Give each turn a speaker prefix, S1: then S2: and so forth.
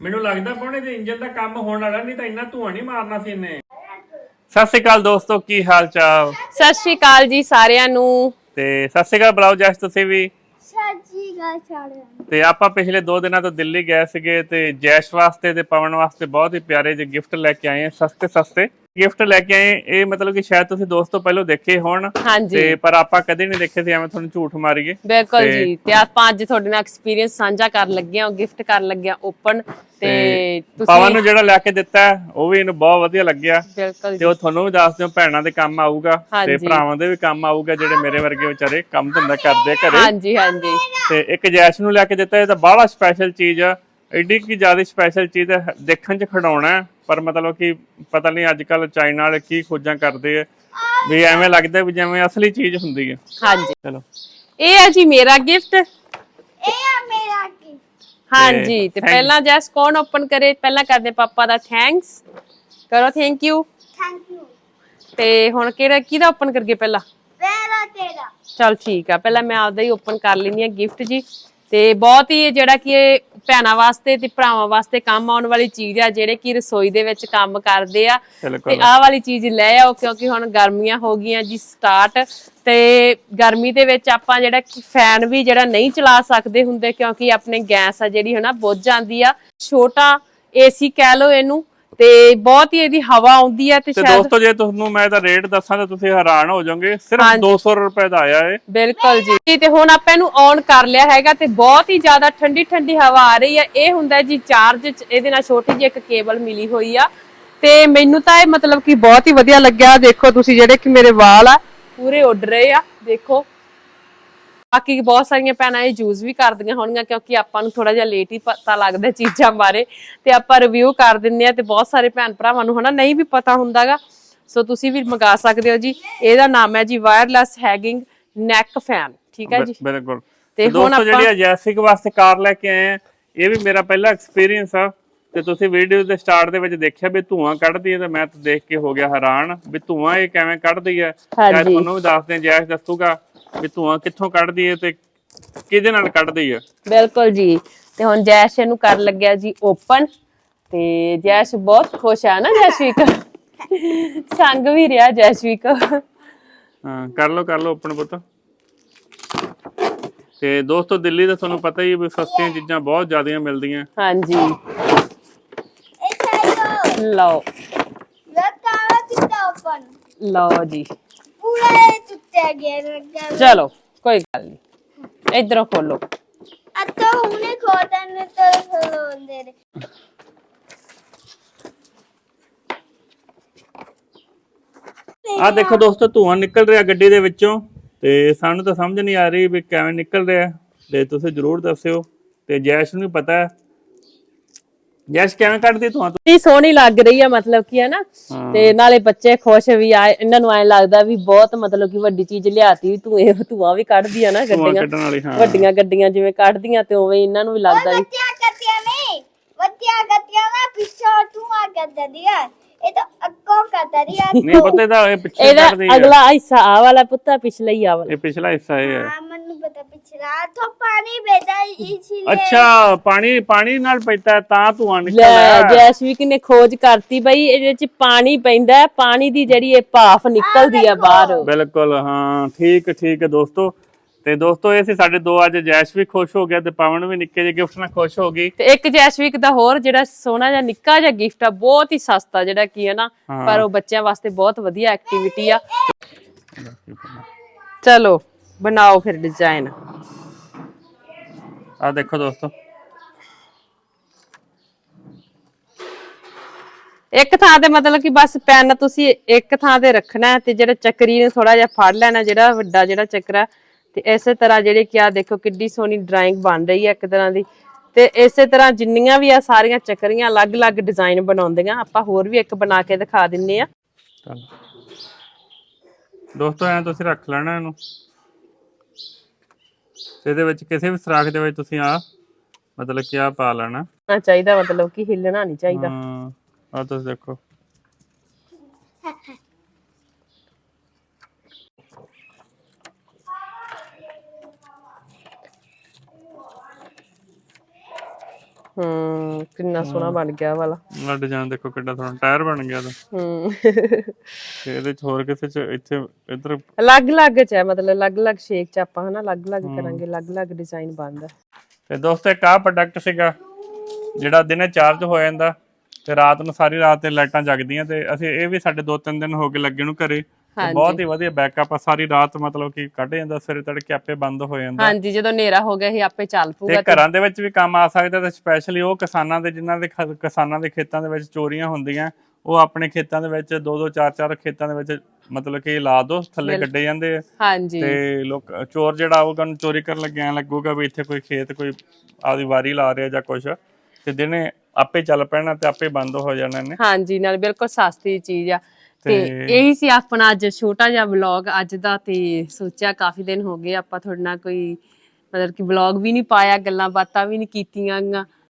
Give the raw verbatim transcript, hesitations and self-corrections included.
S1: ਮੈਨੂੰ ਲੱਗਦਾ ਪੌਣੇ ਦੇ ਇੰਜਨ ਦਾ ਕੰਮ ਹੋਣ ਵਾਲਾ, ਨਹੀਂ ਤਾਂ ਇੰਨਾ ਧੂਆਂ ਨਹੀਂ ਮਾਰਨਾ ਸੀ ਇਹਨੇ। ਸਤਿ ਸ਼੍ਰੀ ਅਕਾਲ ਦੋਸਤੋ, ਕੀ ਹਾਲ ਚਾਲ?
S2: ਸਤਿ ਸ਼੍ਰੀ ਅਕਾਲ ਜੀ ਸਾਰਿਆਂ ਨੂੰ।
S1: ਤੇ ਸਤਿ ਸ਼੍ਰੀ ਅਕਾਲ ਬੁਲਾਓ ਜੈਸ, ਤੁਸੀਂ ਵੀ।
S3: ਸਤਿ ਸ਼੍ਰੀ ਅਕਾਲ ਸਾਰਿਆਂ ਨੂੰ।
S1: ਤੇ ਆਪਾਂ ਪਿਛਲੇ ਦੋ ਦਿਨਾਂ ਤੋਂ ਦਿੱਲੀ ਗਏ ਸੀਗੇ ਤੇ ਜੈਸ਼ ਵਾਸਤੇ ਤੇ ਪਵਨ ਵਾਸਤੇ ਬਹੁਤ ਹੀ ਪਿਆਰੇ ਜਿਹੇ ਗਿਫਟ ਲੈ ਕੇ ਆਏ ਆ, ਸਸਤੇ ਸਸਤੇ ਗਿਫਟ ਲੈ ਕੇ ਆਏ। ਇਹ ਮਤਲਬ ਕਿ ਸ਼ਾਇਦ ਤੁਸੀਂ ਦੋਸਤੋ ਪਹਿਲਾਂ ਦੇਖੇ ਹੋਣ, ਤੇ ਪਰ ਆਪਾਂ ਕਦੇ ਨਹੀਂ ਦੇਖੇ ਸੀ, ਐਵੇਂ ਤੁਹਾਨੂੰ ਝੂਠ ਮਾਰੀਏ।
S2: ਬਿਲਕੁਲ ਜੀ। ਤੇ ਆਪਾਂ ਅੱਜ ਤੁਹਾਡੇ ਨਾਲ ਐਕਸਪੀਰੀਅੰਸ ਸਾਂਝਾ ਕਰਨ ਲੱਗੇ ਆ, ਗਿਫਟ ਕਰਨ ਲੱਗੇ ਆ ਓਪਨ। ਤੇ ਤੁਸੀਂ
S1: ਪਵਨ ਨੂੰ ਜਿਹੜਾ ਲੈ ਕੇ ਦਿੱਤਾ ਉਹ ਵੀ ਇਹਨੂੰ ਬਹੁਤ ਵਧੀਆ ਲੱਗਿਆ।
S2: ਬਿਲਕੁਲ
S1: ਤੇ ਉਹ ਤੁਹਾਨੂੰ ਵੀ ਦੱਸ ਦਿਓ, ਭੈਣਾਂ ਦੇ ਕੰਮ ਆਊਗਾ ਤੇ
S2: ਹਾਂਜੀ।
S1: ਭਰਾਵਾਂ ਦੇ ਵੀ ਕੰਮ ਆਊਗਾ, ਜਿਹੜੇ ਮੇਰੇ ਵਰਗੇ ਵਿਚਾਰੇ ਕੰਮ ਧੰਦਾ ਕਰਦੇ ਘਰੇ।
S2: ਹਾਂਜੀ ਹਾਂਜੀ।
S1: ਤੇ ਇੱਕ ਜੈਸ਼ ਨੂੰ ਲੈ ਕੇ ਦਿੱਤਾ, ਇਹ ਤਾਂ ਬਾਹਲਾ ਸਪੈਸ਼ਲ ਚੀਜ਼ ਆ, ਐਡੀ ਕੀ ਜ਼ਿਆਦਾ ਸਪੈਸ਼ਲ ਚੀਜ਼ ਹੈ, ਦੇਖਣ 'ਚ ਖਿਡੌਣਾ ਪਰ ਮਤਲਬ ਕਿ ਪਤਾ ਨਹੀਂ ਅੱਜ ਕੱਲ ਚਾਈਨਾ ਵਾਲੇ ਕੀ ਖੋਜਾਂ ਕਰਦੇ ਆ, ਵੀ ਐਵੇਂ ਲੱਗਦਾ ਵੀ ਜਿਵੇਂ ਅਸਲੀ ਚੀਜ਼ ਹੁੰਦੀ ਹੈ।
S2: ਹਾਂਜੀ
S1: ਚਲੋ
S2: ਇਹ ਹੈ ਜੀ ਮੇਰਾ ਗਿਫਟ।
S3: ਇਹ ਆ ਮੇਰਾ ਕੀ।
S2: ਹਾਂਜੀ ਤੇ ਪਹਿਲਾਂ ਜੈਸ ਕੌਣ ਓਪਨ ਕਰੇ? ਪਹਿਲਾਂ ਕਰਦੇ ਪਾਪਾ ਦਾ ਥੈਂਕਸ ਕਰੋ, ਥੈਂਕ ਯੂ।
S3: Thank you.
S2: ਤੇ ਹੁਣ ਕਿਹੜਾ ਕਿਹਦਾ ਓਪਨ ਕਰਗੇ ਪਹਿਲਾਂ?
S3: ਮੇਰਾ ਤੇਰਾ।
S2: ਚਲ ਠੀਕ ਆ, ਪਹਿਲਾਂ ਮੈਂ ਆਪਦਾ ਹੀ ਓਪਨ ਕਰ ਲੈਣੀ ਆ ਗਿਫਟ ਜੀ। ਤੇ ਬਹੁਤ ਹੀ ਜਿਹੜਾ ਕਿ ਇਹ ਭੈਣਾਂ ਵਾਸਤੇ ਤੇ ਭਰਾਵਾਂ ਵਾਸਤੇ ਕੰਮ ਆਉਣ ਵਾਲੀ ਚੀਜ਼ ਆ, ਜਿਹੜੇ ਕਿ ਰਸੋਈ ਦੇ ਵਿੱਚ ਕੰਮ ਕਰਦੇ ਆ। ਤੇ ਆਹ ਵਾਲੀ ਚੀਜ਼ ਲੈ ਆਓ, ਕਿਉਂਕਿ ਹੁਣ ਗਰਮੀਆਂ ਹੋ ਗਈਆਂ ਜੀ ਸਟਾਰਟ। ਤੇ ਗਰਮੀ ਦੇ ਵਿੱਚ ਆਪਾਂ ਜਿਹੜਾ ਕਿ ਫੈਨ ਵੀ ਜਿਹੜਾ ਨਹੀਂ ਚਲਾ ਸਕਦੇ ਹੁੰਦੇ, ਕਿਉਂਕਿ ਆਪਣੇ ਗੈਸ ਆ ਜਿਹੜੀ ਹਨਾ ਬੁੱਝ ਜਾਂਦੀ ਆ। ਛੋਟਾ ਏਸੀ ਕਹਿ ਲਓ ਇਹਨੂੰ, ਤੇ ਬਹੁਤ ਹੀ ਇਹਦੀ ਹਵਾ ਆਉਂਦੀ ਆ। ਤੇ
S1: ਤੇ
S2: ਸ਼ਾਇਦ
S1: ਦੋਸਤੋ ਜੇ ਤੁਹਾਨੂੰ ਮੈਂ ਇਹਦਾ ਰੇਟ ਦੱਸਾਂ ਤਾਂ ਤੁਸੀਂ ਹੈਰਾਨ ਹੋ ਜਾਓਗੇ, ਸਿਰਫ ਦੋ ਸੌ ਰੁਪਏ ਦਾ ਆਇਆ ਏ।
S2: ਬਿਲਕੁਲ ਜੀ। ਤੇ ਹੁਣ ਆਪਾਂ ਇਹਨੂੰ ਔਨ ਕਰ ਲਿਆ ਹੈਗਾ ਤੇ ਬਹੁਤ ਹੀ ਜ਼ਿਆਦਾ ਠੰਡੀ ਠੰਡੀ ਹਵਾ ਆ ਰਹੀ ਆ। ਇਹ ਹੁੰਦਾ ਜੀ ਚਾਰਜ, ਇਹਦੇ ਨਾਲ ਛੋਟੀ ਜਿਹੀ ਇੱਕ ਕੇਬਲ ਮਿਲੀ ਹੋਈ ਆ। ਤੇ ਮੈਨੂੰ ਤਾਂ ਇਹ ਮਤਲਬ ਕਿ ਬਹੁਤ ਹੀ ਵਧੀਆ ਲੱਗਿਆ। ਦੇਖੋ ਤੁਸੀਂ, ਜਿਹੜੇ ਕਿ ਮੇਰੇ ਵਾਲ ਆ ਪੂਰੇ ਉੱਡ ਰਹੇ ਆ, ਦੇਖੋ। ਬਾਕੀ ਬਹੁਤ ਸਾਰੀਆਂ ਭੈਣਾਂ ਇਹ ਯੂਜ਼ ਵੀ ਕਰਦੀਆਂ ਹੋਣਗੀਆਂ, ਕਿਉਂਕਿ ਆਪਾਂ ਨੂੰ ਥੋੜਾ ਜਿਹਾ ਲੇਟ ਹੀ ਪਤਾ ਲੱਗਦਾ ਚੀਜ਼ਾਂ ਬਾਰੇ, ਤੇ ਆਪਾਂ ਰਿਵਿਊ ਕਰ ਦਿੰਦੇ ਆ। ਤੇ ਬਹੁਤ ਸਾਰੇ ਭੈਣ ਭਰਾਵਾਂ ਨੂੰ ਹਨਾ ਨਹੀਂ ਵੀ ਪਤਾ ਹੁੰਦਾਗਾ, ਸੋ ਤੁਸੀਂ ਵੀ ਮੰਗਾ ਸਕਦੇ ਹੋ ਜੀ। ਇਹਦਾ ਨਾਮ ਹੈ ਜੀ ਵਾਇਰਲੈਸ ਹੈਂਗਿੰਗ ਨੈਕ ਫੈਨ, ਠੀਕ ਹੈ ਜੀ।
S1: ਬਿਲਕੁਲ।
S2: ਤੇ ਹੁਣ
S1: ਦੋਸਤੋ ਜਿਹੜੀ
S2: ਆਪਾਂ
S1: ਜੈਸਿਕ ਵਾਸਤੇ ਕਾਰ ਲੈ ਕੇ ਆਏ ਆ, ਇਹ ਵੀ ਮੇਰਾ ਪਹਿਲਾ ਐਕਸਪੀਰੀਅੰਸ ਆ। ਤੇ ਤੁਸੀਂ ਵੀਡੀਓ ਦੇ ਸਟਾਰਟ ਦੇ ਵਿੱਚ ਦੇਖਿਆ ਵੀ ਧੂਆਂ ਕੱਢਦੀ ਹੈ, ਤੇ ਮੈਂ ਤਾਂ ਦੇਖ ਕੇ ਹੋ ਗਿਆ ਹੈਰਾਨ ਵੀ ਧੂਆਂ ਇਹ ਕਿਵੇਂ ਕੱਢਦੀ ਹੈ। ਸ਼ਾਇਦ ਤੁਹਾਨੂੰ ਵੀ ਦੱਸਦੇ, ਜੈਸ ਦੱਸੂਗਾ ਵੀ ਧੂਆਂ ਕਿੱਥੋਂ ਕੱਢਦੀ ਹੈ ਤੇ ਕਿਹਦੇ ਨਾਲ ਕੱਢਦੀ ਹੈ।
S2: ਬਿਲਕੁਲ ਜੀ। ਤੇ ਹੁਣ ਜੈਸ਼ ਇਹਨੂੰ ਕਰ ਲੱਗਿਆ ਜੀ ਓਪਨ। ਤੇ ਜੈਸ਼ ਬਹੁਤ ਖੁਸ਼ ਆ ਨਾ, ਜੈਸ਼ਵੀਕ ਸੰਗ ਵੀ ਰਿਹਾ ਜੈਸ਼ਵੀਕ।
S1: ਹਾਂ ਕਰ ਲਓ ਕਰ ਲਓ ਓਪਨ ਪੁੱਤ। ਤੇ ਦੋਸਤੋ ਦਿੱਲੀ ਦਾ ਤੁਹਾਨੂੰ ਪਤਾ ਹੀ ਵੀ ਸਸਤੀਆਂ ਚੀਜ਼ਾਂ ਬਹੁਤ ਜ਼ਿਆਦੀਆਂ ਮਿਲਦੀਆਂ।
S2: ਹਾਂਜੀ
S3: ਇਹ ਚਾਹੀਦਾ।
S2: ਲਓ
S3: ਲੱਤਾਂ ਕਿੱਦਾਂ ਓਪਨ?
S2: ਲਓ ਜੀ,
S3: ਪੂਰਾ ਇਹ ਟੁੱਟਿਆ ਗਿਆ ਲੱਗਾ।
S2: ਚਲੋ ਕੋਈ ਗੱਲ ਨਹੀਂ, ਇਧਰੋਂ ਖੋਲੋ।
S3: ਅੱਤਾ ਹੁਣੇ ਖੋਦਨ ਤੋਂ ਖਲੋਂਦੇ ਨੇ।
S1: ਆ ਦੇਖੋ ਦੋਸਤੋ, ਧੂਆਂ ਨਿਕਲ ਰਿਹਾ ਗੱਡੀ ਦੇ ਵਿੱਚੋਂ, ਤੇ ਸਾਨੂੰ ਤਾਂ ਸਮਝ ਨਹੀਂ ਆ ਰਹੀ ਵੀ ਕਿਵੇਂ ਨਿਕਲ ਰਿਹਾ, ਤੇ ਤੁਸੀਂ ਜਰੂਰ ਦੱਸਿਓ। ਤੇ ਜੈਸ਼ ਨੂੰ ਵੀ ਪਤਾ ਹੈ। ਜੈਸ਼ ਕਿਵੇਂ ਕੱਢਦੀ ਧੂਆਂ?
S2: ਕੀ ਸੋਹਣੀ ਲੱਗ ਰਹੀ ਆ, ਮਤਲਬ ਕੀ ਹੈ ਨਾ। ਤੇ ਨਾਲੇ ਬੱਚੇ ਖੁਸ਼ ਵੀ ਆ, ਇਹਨਾਂ ਨੂੰ ਐ ਲੱਗਦਾ ਵੀ ਬਹੁਤ ਮਤਲਬ ਕਿ ਵੱਡੀ ਚੀਜ਼ ਲਿਆਤੀ, ਤੂੰ ਇਹ ਧੂਆਂ ਵੀ ਕੱਢਦੀ ਆ ਨਾ ਗੱਡੀਆਂ, ਵੱਡੀਆਂ ਗੱਡੀਆਂ ਜਿਵੇਂ ਕੱਢਦੀਆਂ, ਤੇ ਉਵੇਂ ਇਹਨਾਂ ਨੂੰ ਵੀ ਲੱਗਦਾ ਵੀ
S3: ਵੱਡੀਆਂ ਗੱਡੀਆਂ ਨਹੀਂ, ਵੱਡੀਆਂ ਗੱਡੀਆਂ ਨਾ ਪਿੱਛੋਂ ਧੂਆਂ ਕੱਢਦੀ ਆ, ਇਹ ਤਾਂ ਅੱਗੋਂ ਕੱਢਦੀ ਆ।
S1: ਨਹੀਂ ਪਤਾ ਇਹਦਾ ਇਹ ਪਿੱਛੇ
S2: ਇਹਦਾ
S1: ਕੱਢਦੀ ਹੈ।
S2: ਅਗਲਾ ਹਿੱਸਾ ਆ ਵਾਲਾ ਪੁੱਤਾ, ਪਿਛਲਾ ਹੀ ਆ ਵਾਲਾ।
S1: ਇਹ ਪਿਛਲਾ ਹਿੱਸਾ ਇਹ ਹੈ।
S3: ਹਾਂ ਮੈਨੂੰ ਪਤਾ, ਪਿਛਲਾ ਤੋਂ ਪਾਣੀ ਬਹਿਦਾ ਇਸ ਲਈ।
S1: ਅੱਛਾ, ਪਾਣੀ ਪਾਣੀ ਨਾਲ ਪੈਂਦਾ ਤਾਂ ਧੂਆਂ ਨਿਕਲਦਾ
S2: ਲੈ
S1: ਹੈ।
S2: ਜੈਸਵੀਕ ਨੇ ਖੋਜ ਕਰਤੀ ਬਈ, ਇਹਦੇ ਚ ਪਾਣੀ ਪੈਂਦਾ, ਪਾਣੀ ਦੀ ਜਿਹੜੀ ਇਹ ਭਾਫ ਨਿਕਲਦੀ ਆ ਬਾਹਰ।
S1: ਬਿਲਕੁਲ ਹਾਂ, ਠੀਕ ਠੀਕ ਹੈ ਦੋਸਤੋ। ਤੇ ਦੋਸਤੋ ਇਹ ਸੀ ਸਾਡੇ ਦੋ, ਅੱਜ ਜੈਸ਼ ਵੀ ਖੁਸ਼ ਹੋ ਗਿਆ ਤੇ ਪਵਨ ਵੀ ਨਿੱਕੇ ਜਿਹੇ ਗਿਫਟ ਨਾਲ ਖੁਸ਼ ਹੋ ਗਈ।
S2: ਤੇ ਇੱਕ ਜੈਸਵੀਕ ਦਾ ਹੋਰ ਜਿਹੜਾ ਸੋਹਣਾ ਜਿਹਾ ਨਿੱਕਾ ਜਿਹਾ ਗਿਫਟ ਆ, ਬਹੁਤ ਹੀ ਸਸਤਾ ਜਿਹੜਾ ਕੀ ਹੈ ਨਾ, ਪਰ ਉਹ ਬੱਚਿਆਂ ਵਾਸਤੇ ਬਹੁਤ ਵਧੀਆ ਐਕਟੀਵਿਟੀ ਆ। ਚਲੋ ਬਣਾਓ ਫਿਰ ਡਿਜ਼ਾਈਨ।
S1: ਆ ਦੇਖੋ ਦੋਸਤੋ,
S2: ਇੱਕ ਥਾਂ ਤੇ ਮਤਲਬ ਕਿ ਬਸ ਪੈਨ ਤੁਸੀਂ ਇੱਕ ਥਾਂ ਤੇ ਰੱਖਣਾ, ਤੇ ਜਿਹੜਾ ਚੱਕਰੀ ਨੂੰ ਥੋੜਾ ਜਿਹਾ ਫੜ ਲੈਣਾ, ਜਿਹੜਾ ਵੱਡਾ ਜਿਹੜਾ ਚੱਕਰਾ। ਤੇ ਇਸੇ ਤਰ੍ਹਾਂ ਜਿਹੜੇ ਕਿ ਆ ਦੇਖੋ ਕਿੱਡੀ ਸੋਹਣੀ ਡਰਾਇੰਗ ਬਣ ਰਹੀ ਹੈ ਇੱਕ ਤਰ੍ਹਾਂ ਦੀ। ਤੇ ਇਸੇ ਤਰ੍ਹਾਂ ਜਿੰਨੀਆਂ ਵੀ ਆ ਸਾਰੀਆਂ ਚੱਕਰੀਆਂ ਅਲੱਗ-ਅਲੱਗ ਡਿਜ਼ਾਈਨ ਬਣਾਉਂਦੀਆਂ। ਆਪਾਂ ਹੋਰ ਵੀ ਇੱਕ ਬਣਾ ਕੇ ਦਿਖਾ ਦਿੰਨੇ ਆ।
S1: ਦੋਸਤੋ ਐ ਤੁਸੀਂ ਰੱਖ ਲੈਣਾ ਇਹਨੂੰ, ਇਹਦੇ ਵਿੱਚ ਕਿਸੇ ਵੀ ਸਰਾਖ ਦੇ ਵਿੱਚ ਤੁਸੀਂ ਆ ਮਤਲਬ ਕਿ ਆ ਪਾ ਲੈਣਾ
S2: ਚਾਹੀਦਾ, ਮਤਲਬ ਕਿ ਹਿੱਲਣਾ ਨਹੀਂ ਚਾਹੀਦਾ।
S1: ਹਾਂ ਆ ਤੁਸੀਂ ਦੇਖੋ।
S2: ਹੂੰ ਕਿੰਨਾ ਸੋਹਣਾ ਬਣ ਗਿਆ ਵਾਲਾ
S1: ਆ ਡਿਜ਼ਾਈਨ ਦੇਖੋ ਕਿੱਡਾ ਸੋਹਣਾ ਟਾਇਰ ਬਣ ਗਿਆ ਤਾਂ
S2: ਹੂੰ
S1: ਤੇ ਇਹਦੇ ਚ ਹੋਰ ਕਿਸੇ ਚ ਇੱਥੇ ਇੱਧਰ
S2: ਅਲੱਗ-ਅਲੱਗ ਚ ਹੈ ਮਤਲਬ ਅਲੱਗ-ਅਲੱਗ ਸ਼ੇਪ ਚ ਆਪਾਂ ਹਨਾ ਅਲੱਗ-ਅਲੱਗ ਕਰਾਂਗੇ ਅਲੱਗ-ਅਲੱਗ ਡਿਜ਼ਾਈਨ ਬਣਦਾ
S1: ਤੇ ਦੋਸਤੋ ਇੱਕ ਆਹ ਪ੍ਰੋਡਕਟ ਸੀਗਾ ਜਿਹੜਾ ਦਿਨੇ ਚਾਰਜ ਹੋ ਜਾਂਦਾ ਤੇ ਰਾਤ ਨੂੰ ਸਾਰੀ ਰਾਤ ਤੇ ਲਾਈਟਾਂ ਜਗਦੀਆਂ ਤੇ ਅਸੀਂ ਇਹ ਵੀ ਸਾਡੇ ਦੋ ਤਿੰਨ ਦਿਨ ਹੋ ਗਏ ਲੱਗੇ ਨੂੰ ਘਰੇ ਤੇ ਬਹੁਤ ਹੀ ਵਧੀਆ ਬੈਕਅਪ ਆ ਸਾਰੀ ਰਾਤ ਮਤਲਬ ਕਿ ਕੱਢ ਜਾਂਦਾ ਸਵੇਰੇ ਤੜਕੇ ਆਪੇ ਬੰਦ ਹੋ ਜਾਂਦਾ
S2: ਹਾਂਜੀ ਜਦੋਂ ਹਨੇਰਾ ਹੋ ਗਿਆ ਇਹ ਆਪੇ ਚੱਲ ਪੂਗਾ
S1: ਤੇ ਘਰਾਂ ਦੇ ਵਿੱਚ ਵੀ ਕੰਮ ਆ ਸਕਦਾ ਤੇ ਸਪੈਸ਼ਲੀ ਉਹ ਕਿਸਾਨਾਂ ਦੇ ਜਿਨ੍ਹਾਂ ਦੇ ਖ- ਕਿਸਾਨਾਂ ਦੇ ਖੇਤਾਂ ਦੇ ਵਿੱਚ ਚੋਰੀਆਂ ਹੁੰਦੀਆਂ ਉਹ ਆਪਣੇ ਖੇਤਾਂ ਦੇ ਵਿੱਚ ਦੋ ਦੋ ਚਾਰ ਚਾਰ ਖੇਤਾਂ ਦੇ ਵਿੱਚ ਮਤਲਬ ਕਿ ਲਾ ਦੋ ਥੱਲੇ ਗੱਡੇ ਜਾਂਦੇ ਆ
S2: ਹਾਂਜੀ
S1: ਤੇ ਲੋਕ ਚੋਰ ਜਿਹੜਾ ਆਊਗਾ ਉਹਨੂੰ ਚੋਰੀ ਕਰਨ ਲੱਗਿਆ ਐਂ ਲੱਗੂਗਾ ਵੀ ਇੱਥੇ ਕੋਈ ਖੇਤ ਕੋਈ ਆਪਦੀ ਵਾਰੀ ਲਾ ਰਿਹਾ ਜਾਂ ਕੁਛ ਤੇ ਦਿਨੇ ਆਪੇ ਚੱਲ ਪੈਣਾ ਤੇ ਆਪੇ ਬੰਦ ਹੋ ਜਾਣਾ ਨੇ
S2: ਹਾਂਜੀ ਨਾਲ ਬਿਲਕੁਲ ਸਸਤੀ ਚੀਜ਼ ਆ ਤੇ ਇਹੀ ਸੀ ਆਪਣਾ ਅੱਜ ਛੋਟਾ ਜਿਹਾ ਵਲੌਗ ਅੱਜ ਦਾ ਤੇ ਸੋਚਿਆ ਕਾਫੀ ਦਿਨ ਹੋ ਗਏ ਆਪਾਂ ਤੁਹਾਡੇ ਨਾਲ ਕੋਈ ਮਤਲਬ ਕਿ ਵਲੌਗ ਵੀ ਨਹੀਂ ਪਾਇਆ ਗੱਲਾਂ ਬਾਤਾਂ ਵੀ ਨਹੀਂ ਕੀਤੀਆਂ